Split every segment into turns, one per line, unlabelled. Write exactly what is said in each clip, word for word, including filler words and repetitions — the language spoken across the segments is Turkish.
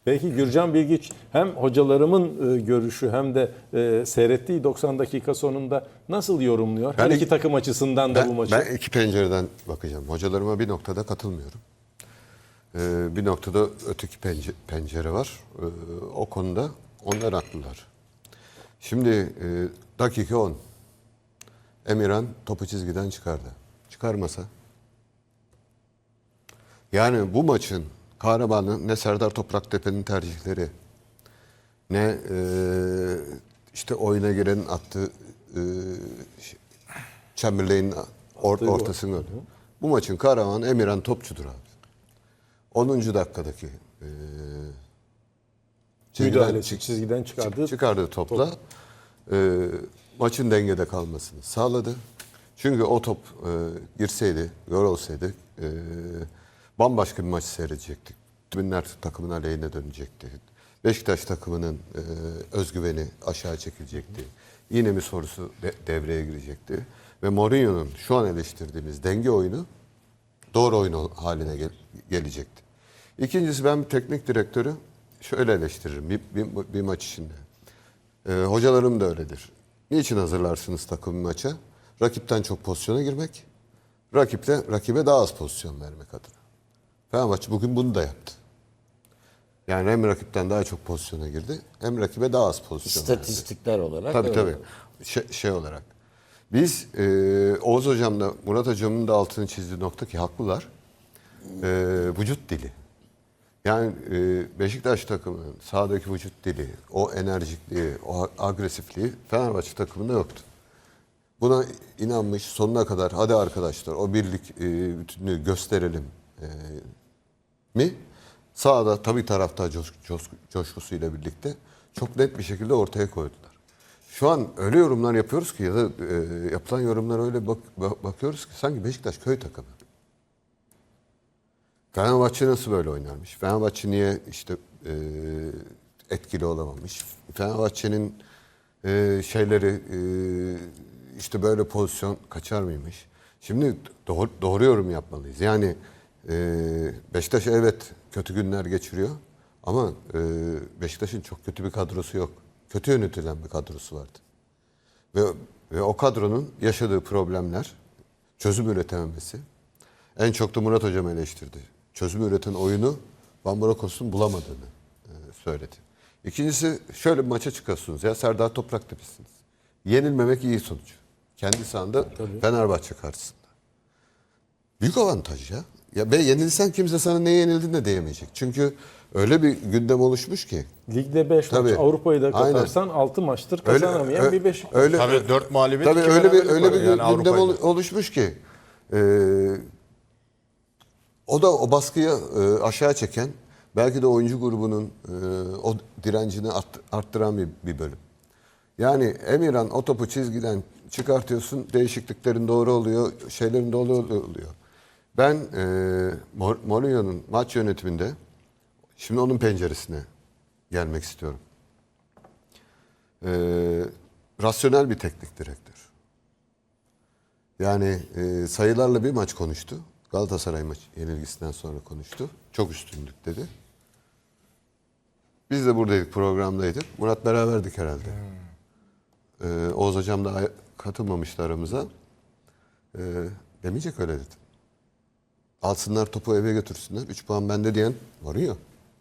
Belki Gürcan Bilgiç hem hocalarımın e, görüşü hem de e, seyrettiği doksan dakika sonunda nasıl yorumluyor? Her
Ben-
iki takım açısından da
Ben,
bu maçı.
ben iki pencereden bakacağım. Hocalarıma bir noktada katılmıyorum. Ee, bir noktada öteki pence- pencere var. Ee, o konuda onlar haklılar. Şimdi e, dakika on. Emirhan topu çizgiden çıkardı. Çıkarmasa. Yani bu maçın kahramanı ne Serdar Topraktepe'nin tercihleri, ne e, işte oyuna girenin attığı e, Chamberlain'in or,
Attığı gol.
ortasını gördü. Bu maçın kahramanı Emirhan Topçu'dur abi. onuncu dakikadaki e,
Müdahalesi,
çık-
çizgiden çıkardığı
çıkardığı topla e, maçın dengede kalmasını sağladı. Çünkü o top e, girseydi, gol olsaydı e, bambaşka bir maç seyredecektik. Tribünler takımın aleyhine dönecekti. Beşiktaş takımının e, özgüveni aşağı çekilecekti. Yine mi sorusu de, devreye girecekti. Ve Mourinho'nun şu an eleştirdiğimiz denge oyunu doğru oyun haline gel, gelecekti. İkincisi, ben bir teknik direktörü şöyle eleştiririm bir, bir, bir maç içinde. E, hocalarım da öyledir. Niçin hazırlarsınız takım bir maça? Rakipten çok pozisyona girmek, rakiple, rakibe daha az pozisyon vermek adına. Fenerbahçe bugün bunu da yaptı. Yani hem rakipten daha çok pozisyona girdi, hem rakibe daha az pozisyon verdi.
İstatistikler olarak.
Tabii
öyle.
tabii. Şey, şey olarak. Biz e, Oğuz Hocam'la Murat Hocam'ın da altını çizdiği nokta ki haklılar. E, vücut dili. Yani e, Beşiktaş takımının sahadaki vücut dili, o enerjikliği, o agresifliği Fenerbahçe takımında yoktu. Buna inanmış sonuna kadar hadi arkadaşlar o birlik e, bütünlüğü gösterelim e, mi? Sahada tabii taraftar coş, coş, coşkusuyla birlikte çok net bir şekilde ortaya koydular. Şu an öyle yorumlar yapıyoruz ki ya da e, yapılan yorumlara öyle bak, bak, bakıyoruz ki sanki Beşiktaş köy takımı. Fenerbahçe nasıl böyle oynarmış? Fenerbahçe niye işte e, etkili olamamış? Fenerbahçe'nin e, şeyleri e, işte böyle pozisyon kaçar mıymış? Şimdi doğru, doğru yorum yapmalıyız. Yani e, Beşiktaş evet kötü günler geçiriyor ama e, Beşiktaş'ın çok kötü bir kadrosu yok. Kötü yönetilen bir kadrosu vardı. Ve, ve o kadronun yaşadığı problemler, çözüm üretememesi, en çok da Murat Hocam eleştirdi. Çözüm üreten oyunu Van Brokos'un bulamadığını e, söyledi. İkincisi, şöyle bir maça çıkıyorsunuz ya, Serdar Topraktepe'siniz. Yenilmemek iyi sonuç. Kendi sahanda Fenerbahçe karşısında. Büyük avantaj ya. Ya be yenilsen kimse sana ne yenildin de diyemeyecek. Çünkü öyle bir gündem oluşmuş ki.
Ligde beş
Tabii.
maç, Avrupa'yı da
Aynen.
katarsan altı maçtır
Öyle-
kazanamayan
ö-
bir Beşiktaş.
Öyle,
Tabii dört mağlubiyet,
tabii
iki
öyle bir
beraberlik
öyle
var
bir
yani
gündem
Avrupa'yla.
ol- oluşmuş ki. e, o da o baskıyı e, aşağı çeken, belki de oyuncu grubunun e, o direncini art- arttıran bir, bir bölüm. Yani Emirhan o topu çizgiden çıkartıyorsun, değişikliklerin doğru oluyor, şeylerin doğru oluyor. Ben e, Mor- Mourinho'nun maç yönetiminde, şimdi onun penceresine gelmek istiyorum. E, rasyonel bir teknik direktör. Yani e, sayılarla bir maç konuştu. Galatasaray maç yenilgisinden sonra konuştu. Çok üstünlük dedi. Biz de buradaydık, programdaydık. Murat beraberdik herhalde. Ee, Oğuz Hocam da katılmamıştı aramıza. Ee, demeyecek öyle dedim. Alsınlar topu eve götürsünler. Üç puan bende diyen var ya.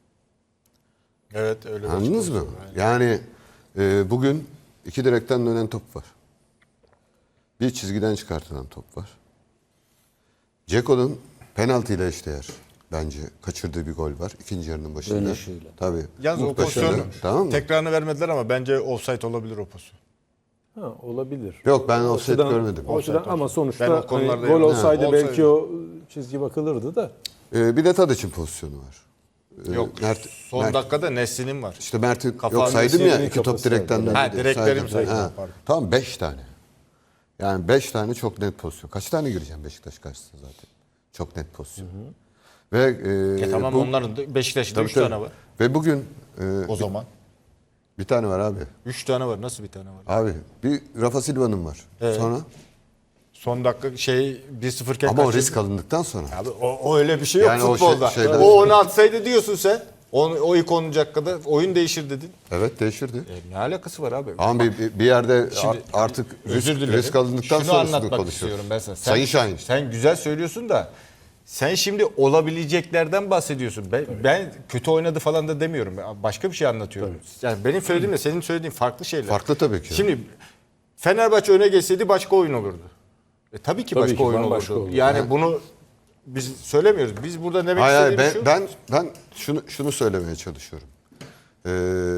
Evet öyle bir
Anladınız mı?
açıklaması var.
Yani e, bugün iki direkten dönen top var. Bir çizgiden çıkartılan top var. Ceko'nun penaltıyla eşdeğer bence kaçırdığı bir gol var. İkinci yarının başında.
Dönüşüyle.
Tabii.
Yalnız o
Muhteşem.
pozisyon
Tamam mı?
tekrarını vermediler ama bence offside olabilir o pozisyon.
Ha, olabilir.
Yok, ben
O
offside
açıdan-
görmedim.
O açıdan, ama sonuçta
Ben o
hani
konularda
gol
yani-
olsaydı
Ha,
belki
olsaydı.
o çizgi bakılırdı da.
Ee, bir de Tadiç'in pozisyonu var. Ee,
Yok
Mert,
son
Mert-
dakikada Nesli'nin var.
İşte Mert'in
Kafa
yok saydım ya,
Nesli'nin
iki top
kafası
direkten
var.
döndü.
Ha,
diye
direklerim
saydım.
saydım,
Ha.
pardon.
Tamam, beş tane. Yani beş tane çok net pozisyon. Kaç tane gireceğim Beşiktaş karşısında zaten? Çok net pozisyon. Ve e,
E tamam
bu-
onların da Beşiktaş'ta
tabii,
üç
tabii.
tane var.
Ve bugün e,
O zaman.
bir tane var abi.
üç tane var. Nasıl bir tane var?
Abi bir Rafa Silva'nın var.
Evet.
Sonra
Son dakika şey bir sıfır iken
ama o
kaçırdı.
risk alındıktan sonra.
Abi o, o öyle bir şey yok
Yani o şey-
futbolda. O,
şeyden-
onu atsaydı diyorsun sen. O, o ilk on dakikada oyun değişir dedin.
Evet değişirdi.
E, ne alakası var abi?
Ama bir, bir- bir yerde
Şimdi,
ar- artık risk,
Özür dilerim.
risk alındıktan
Şunu
sonrasını
anlatmak
konuşuyoruz.
istiyorum ben sana. Sen,
Sayın Şahin.
Sen güzel söylüyorsun da sen şimdi olabileceklerden bahsediyorsun. Ben, ben kötü oynadı falan da demiyorum. Başka bir şey anlatıyorum. Yani benim söylediğimle senin söylediğin farklı şeyler.
Farklı tabii ki.
Şimdi Fenerbahçe öne geçseydi başka oyun olurdu. E, tabii ki
Tabii
başka
ki,
oyun
bambaşka
olurdu.
olurdu.
Yani bunu biz söylemiyoruz. Biz burada demek
Hayır hayır
istediğimiz
ben,
şu.
ben ben şunu şunu söylemeye çalışıyorum. Ee,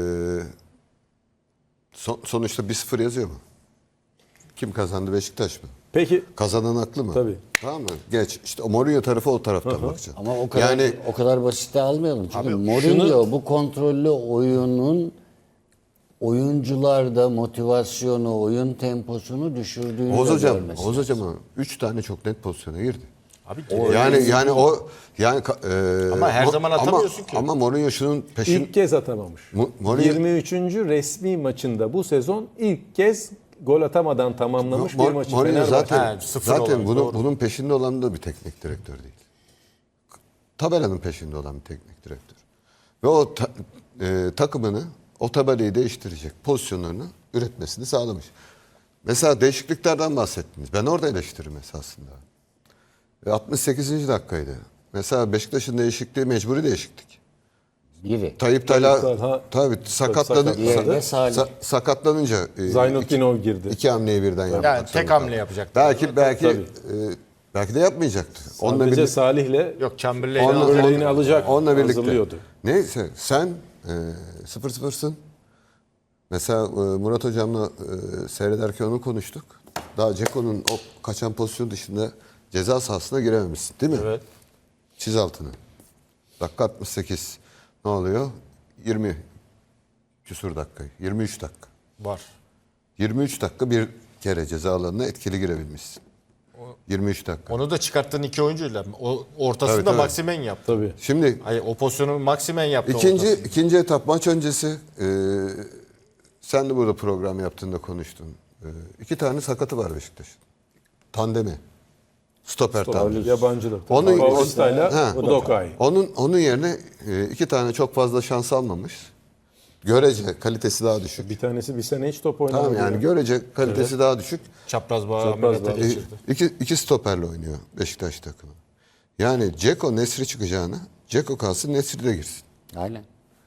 son- sonuçta bir sıfır yazıyor mu? Kim kazandı, Beşiktaş mı?
Peki
Kazanan haklı mı?
Tabii.
Tamam mı? Geç. İşte o Mourinho tarafı o taraftan bakacaksın.
Ama o kadar
yani
o kadar basite almayalım. Çünkü
Abi,
Mourinho bu kontrollü oyunun oyuncularda motivasyonu, oyun temposunu düşürdüğünü
Oğuz
de
hocam,
görmesi.
Oğuz hocam üç tane çok net pozisyona girdi.
Abi,
yani yani o yani ka- e,
Ama her
Mo-
zaman
ama-
atamıyorsun ki.
Ama Mourinho şunun peşin
ilk kez atamamış.
Mo- Mourinho-
yirmi üçüncü resmi maçında bu sezon ilk kez gol atamadan tamamlamış
Mo-
bir maçı
Mourinho
Fenerbahçe.
zaten
Ha, sıfır
zaten
olan,
bunu,
doğru.
bunun peşinde olan da bir teknik direktör değil. Tabelanın peşinde olan bir teknik direktör. Ve o ta- e, takımını, o tabelayı değiştirecek pozisyonlarını üretmesini sağlamış. Mesela değişikliklerden bahsettiniz. Ben orada eleştiririm esasında. Ve altmış sekizinci dakikaydı. Mesela Beşiktaş'ın değişikliği mecburi değişiklik.
Biri.
Tayyip Talha
Talha-
tabii sakatladı,
sakat-
Diğeri de
sa-
Salih.
sa- sakatlanınca e,
Zaynutdinov
iki-
girdi.
iki hamleyi birden yapmak
Yani tek
zorunda
hamle
kaldı.
yapacaktı.
Belki belki
Tabii.
e, belki de yapmayacaktı. Onunla
Sadece
birlikte
Salih'le
Yok Chamberlain'i
onunla,
alacak.
Örneğini alacak,
onunla birlikte.
hazırlıyordu.
Neyse sen e, sıfır sıfırsın. Mesela e, Murat hocamla e, seyrederken onu konuştuk. Daha Ceko'nun o kaçan pozisyon dışında ceza sahasına girememişsin değil mi?
Evet.
Çiz altını. Dakika altmış sekiz. Ne oluyor? yirmi küsur dakika. yirmi üç dakika.
Var.
yirmi üç dakika bir kere ceza alanına etkili girebilmişsin. yirmi üç dakika.
Onu da çıkarttığın iki oyuncuyla. O ortasında
Tabii, tabii.
Maximen yaptı.
Tabii.
Şimdi
Hayır, o pozisyonu Maximen yaptı.
ikinci
ortasında.
ikinci etap maç öncesi e, sen de burada program yaptığında konuştun. E, iki tane sakatı var Beşiktaş'ın. Tandemi. Stoper tandemi.
Yabancı da.
Onun-
Paulista'yla
Ha.
Udokai.
Onun onun yerine e, iki tane çok fazla şans almamış. Görece kalitesi daha düşük.
Bir tanesi bir sene hiç top oynamadı.
Tamam yani
ya.
görece kalitesi daha düşük.
Çapraz bağ
Çapraz
ameliyatı
bağ.
E,
geçirdi.
iki, iki stoperle oynuyor Beşiktaş takımı. Yani Ceko Nesri çıkacağına Ceko kalsın Nesri de girsin.
Aynen.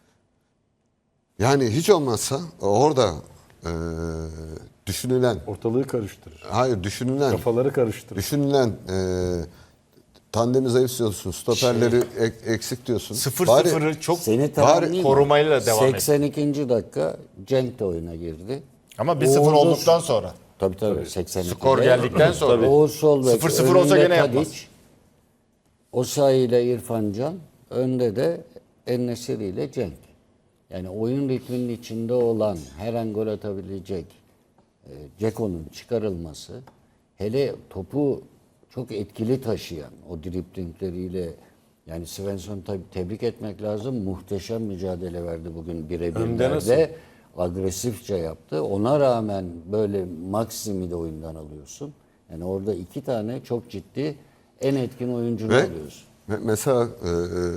Yani hiç olmazsa orada e, düşünülen,
Ortalığı karıştırır.
hayır düşünülen,
Kafaları karıştırır.
düşünülen e, tandemi zayıf diyorsun, stoperleri ek- eksik diyorsun.
Sıfır
Bari-
sıfırı çok
Seni tamamlayayım mı?
korumayla devam etti.
seksen ikinci dakika Cenk de oyuna girdi.
Ama bir sıfır
Oğuz'u-
olduktan sonra.
Tabii tabii. seksen ikide.
Skor geldikten sonra.
Oğuz Solbek,
sıfır sıfır olsa
önünde
gene yapmaz.
Tadiç, Osayi ile İrfan Can, önde de En-Nesyri ile Cenk. Yani oyun ritminin içinde olan, her an gol atabilecek e, Ceko'nun çıkarılması, hele topu çok etkili taşıyan, o driplingleriyle, yani Svensson tabii tebrik etmek lazım. Muhteşem mücadele verdi bugün
Hem de nasıl?
birebirlerde. Agresifçe yaptı. Ona rağmen böyle Maksim'i de oyundan alıyorsun. Yani orada iki tane çok ciddi en etkin oyuncunu
Ve
alıyorsun.
me- mesela e,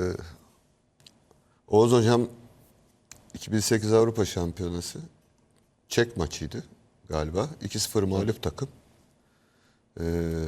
Oğuz Hocam iki bin sekiz Avrupa Şampiyonası Çek maçıydı galiba. iki sıfır mağlup takım. E,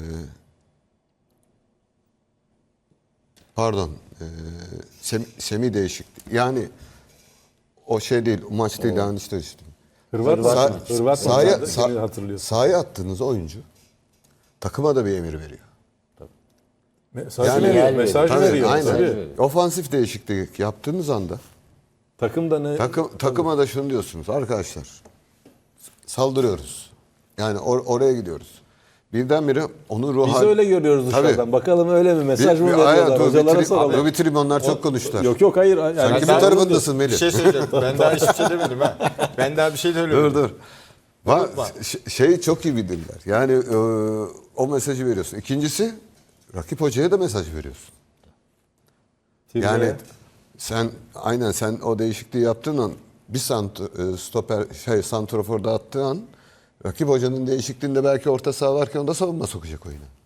pardon. E, Sem, Semi değişikti. Yani o şey değil, o maç değil, yanlış değişti.
Hırvat
Sa-
maçı. Hırvat
sahaya,
maçı.
sa-
Seni hatırlıyorsun.
sahaya attığınız oyuncu takıma da bir emir veriyor.
Mesaj
Yani-
veriyor.
Yani-
Mesaj
Tabii,
veriyor.
aynen.
Tabii.
Ofansif değişiklik yaptığınız anda
Takım da ne?
takım, takıma da şunu diyorsunuz arkadaşlar, saldırıyoruz. Yani or- oraya gidiyoruz. Birdenbire onu ruh
Biz
hal-
öyle görüyoruz
Tabii.
dışarıdan. Bakalım öyle mi? Mesaj
Bir-
mı
bir-
veriyorlar?
hayır, dur,
Hocalara
bitireyim-
soralım.
Dur bitireyim, onlar çok konuştular.
Yok yok hayır. Yani
Sen kimin
ben-
tarafındasın Melih?
Bir şey söyleyeceğim. Ben daha hiçbir şey demedim ha. Ben daha bir şey söylemedim.
Dur dur. Va- ş- şeyi çok iyi bildiler. Yani e, o mesajı veriyorsun. İkincisi rakip hocaya da mesaj veriyorsun. Yani
Tirneye.
sen aynen sen o değişikliği yaptığın an bir sant e, stoper şey santrofor dağıttığın an rakip hocanın değişikliğinde belki orta saha varken o da savunma sokacak oyuna.